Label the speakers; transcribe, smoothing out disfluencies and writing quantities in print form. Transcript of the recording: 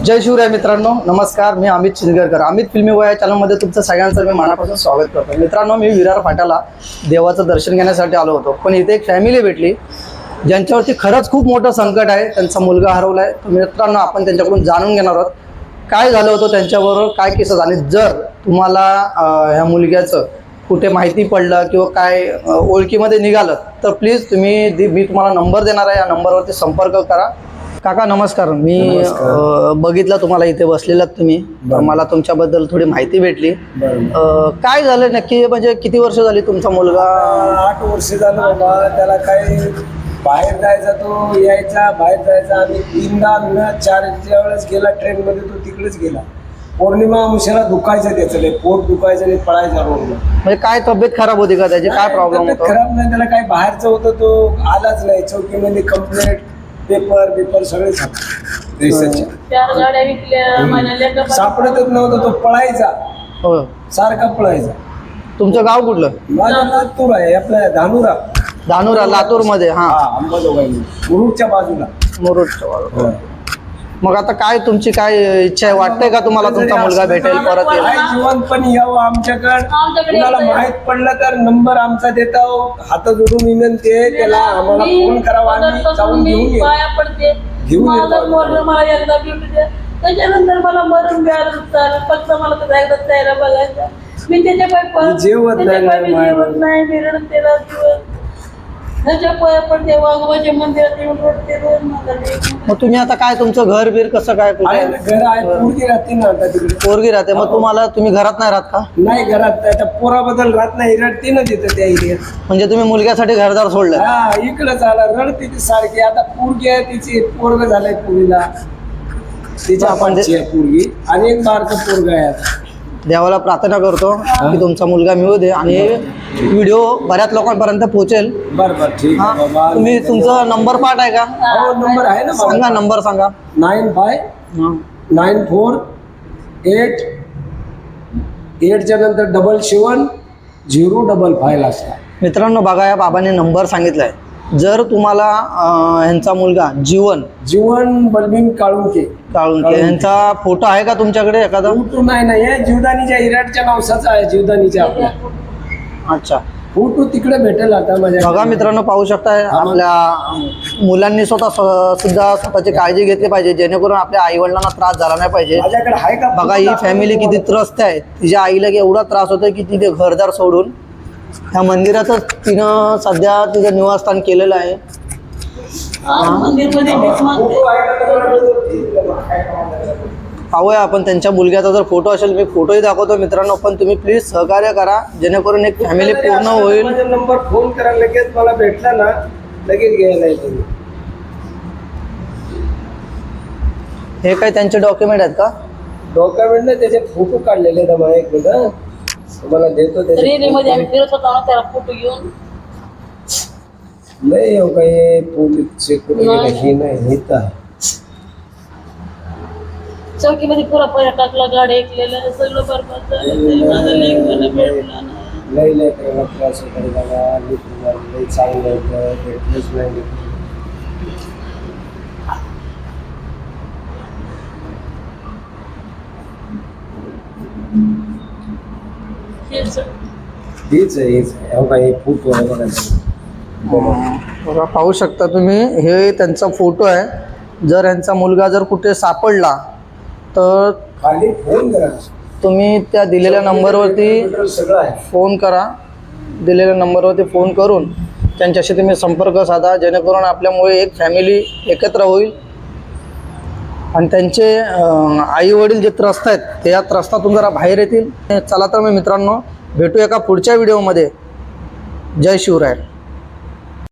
Speaker 1: जय शिवराय मित्रांनो, नमस्कार. मी अमित चिंचगरकर. अमित फिल्मी वया चॅनलमध्ये तुमचं सगळ्यांचं मी मनापासून स्वागत करतो. मित्रांनो, मी विरार फाट्याला देवाचं दर्शन घेण्यासाठी आलो होतो, पण इथे एक फॅमिली भेटली ज्यांच्यावरती खरंच खूप मोठं संकट आहे. त्यांचा मुलगा हरवला आहे. मित्रांनो, आपण त्यांच्याकडून जाणून घेणार आहोत काय झालं होतं त्यांच्याबरोबर, काय केस झाले. जर तुम्हाला ह्या मुलग्याचं कुठे माहिती पडलं किंवा काय ओळखीमध्ये निघालं तर प्लीज मी तुम्हाला नंबर देणार आहे, या नंबरवरती संपर्क करा. काका नमस्कार. मी बघितलं तुम्हाला इथे बसलेलात तुम्ही, मला तुमच्याबद्दल थोडी माहिती भेटली. काय झालं नक्की, म्हणजे किती वर्ष झाली तुमचा मुलगा?
Speaker 2: 8 वर्ष झालं बाबा. त्याला काही बाहेर जायचा, तो यायचा बाहेर जायचा. आम्ही 3-4 वेळेस गेला ट्रेनमध्ये, तो तिकडेच गेला. पौर्णिमा अमावस्येला दुखायचं त्याचं, पोट दुखायचं आणि पळायचा रोड.
Speaker 1: म्हणजे काय तब्येत खराब होती का त्याची, काय प्रॉब्लेम होता?
Speaker 2: खराब नाही, त्याला काय बाहेरचं होतं, तो आलाच नाही. चौकीमध्ये कंप्लेंट, पेपर सगळे सापडतच नव्हतं. तो पळायचा, सारखा पळायचा.
Speaker 1: तुमचं गाव कुठलं?
Speaker 2: माझं लातूर आहे, आपल्या धानुरा
Speaker 1: लातूर मध्ये. हा,
Speaker 2: अंबाजोगाई मुरुडच्या बाजूला.
Speaker 1: मुरुडच्या बाजूला. मग आता काय तुमची काय इच्छा आहे? वाटतंय का तुम्हाला तुमचा मुलगा भेटेल, परत येईल?
Speaker 2: जीवन पण यावं आमच्याकडे. कुणाला माहित पडलं तर नंबर आमचा देता, हात जोडून विनंती आहे त्याला, आम्हाला फोन करावा, आम्ही जाऊन घेऊन येतो.
Speaker 3: त्याच्यानंतर मला मरून मिळालं, फक्त मला तर एकदा चेहरा बघायचा. मी त्याच्या
Speaker 2: जेवत
Speaker 3: नाही, मी रडते मंदिरात येऊन रडते रोज.
Speaker 1: मग तुम्ही आता काय, तुमचं घर बीर कसं काय?
Speaker 2: घर आहे, पोरगी राहते ना आता तिकडे.
Speaker 1: पोरगी राहते. मग तुम्ही घरात नाही राहत का?
Speaker 2: नाही, घरात त्या पोराबद्दल राहत नाही, रडते ना तिथं त्या एरियात.
Speaker 1: म्हणजे तुम्ही मुलग्यासाठी घरदार सोडलं?
Speaker 2: हा, इकडंच आला, रडते ती सारखी. आता पोरगी आहे तिची, पोरग झालंय पुरीला, तिच्या पोरगी, आणि एक बारकं पोरग आहे. आता
Speaker 1: देवाला प्रार्थना करतो की तुमचा मुलगा मिळू दे आणि व्हिडिओ बऱ्याच लोकांपर्यंत पोहोचेल.
Speaker 2: बरं ठीक आहे बाबा.
Speaker 1: तुम्ही तुमचा नंबर पाठ आहे का?
Speaker 2: हो, नंबर आहे ना.
Speaker 1: सांगा, नंबर सांगा.
Speaker 2: 959488च्या नंतर 77055 असतात.
Speaker 1: मित्रांनो बघा, या बाबांनी नंबर सांगितलाय. जर तुम्हाला ह्यांचा मुलगा
Speaker 2: जीवन बलबीन काळुंके
Speaker 1: ह्यांचा फोटो आहे का तुमच्याकडे एखादा?
Speaker 2: फोटो नाही, हे जीवदानीच्या इराटच्या नवसाचा आहे, जीवदानीच्या आपल्या.
Speaker 1: अच्छा,
Speaker 2: फोटो तिकडे भेटेल आता माझ्या.
Speaker 1: बघा मित्रांनो, पाहू शकताय, आपल्या मुलांनी सुद्धा स्वतःची काळजी घेतली पाहिजे, जेणेकरून आपल्या आई वडिलांना त्रास झाला नाही पाहिजे.
Speaker 2: माझ्याकडे आहे का?
Speaker 1: बघा, ही फॅमिली किती त्रस्त आहे. तिच्या आईला एवढा त्रास होतोय की तिथे घरदार सोडून ह्या मंदिरातच तिनं सध्या तिचं निवासस्थान केलेलं आहे. पाहूया आपण त्यांच्या मुलग्याचा जर फोटो असेल, मी फोटोही दाखवतो मित्रांनो, पण तुम्ही प्लीज सहकार्य करा जेणेकरून एक फॅमिली पूर्ण होईल.
Speaker 2: नंबर फोन करा, लगेच मला भेटला ना लगेच घ्यायला येतो.
Speaker 1: हे काय त्यांचे डॉक्युमेंट आहेत का?
Speaker 2: डॉक्युमेंट नाही, त्याचे फोटो काढलेले आहेत. मला एक मिनिट तुम्हाला देतो.
Speaker 3: रेल्वेमध्ये आम्ही फिरत होतो ना, त्याला फोटो घेऊन
Speaker 2: नाही हो, काही पोलीस चेक नाही नेता.
Speaker 3: चौकीमध्ये पुरा पैसा टाकला, गाडी ऐकलेलं सगळं बरबाद झालं.
Speaker 2: लय त्रास होता, लय चांगलं होतं, भेटलंच नाही. हेच आहे काही फोटो आहे
Speaker 1: बघा, पाहू शकता तुम्ही, हे त्यांचा फोटो आहे. जर यांचा मुलगा जर कुठे सापडला तर
Speaker 2: खाली फोन करा.
Speaker 1: तुम्ही त्या दिलेल्या नंबरवरती फोन करा. दिलेल्या नंबरवरती फोन करून त्यांच्याशी तुम्ही संपर्क साधा, जेणेकरून आपल्यामुळे एक फॅमिली एकत्र होईल आणि त्यांचे आई वडील जे त्रस्त आहेत ते या त्रस्तातून जरा बाहेर येतील. चला तर मी मित्रांनो, भेटू एका पुढच्या व्हिडिओमध्ये. जय शिवराय.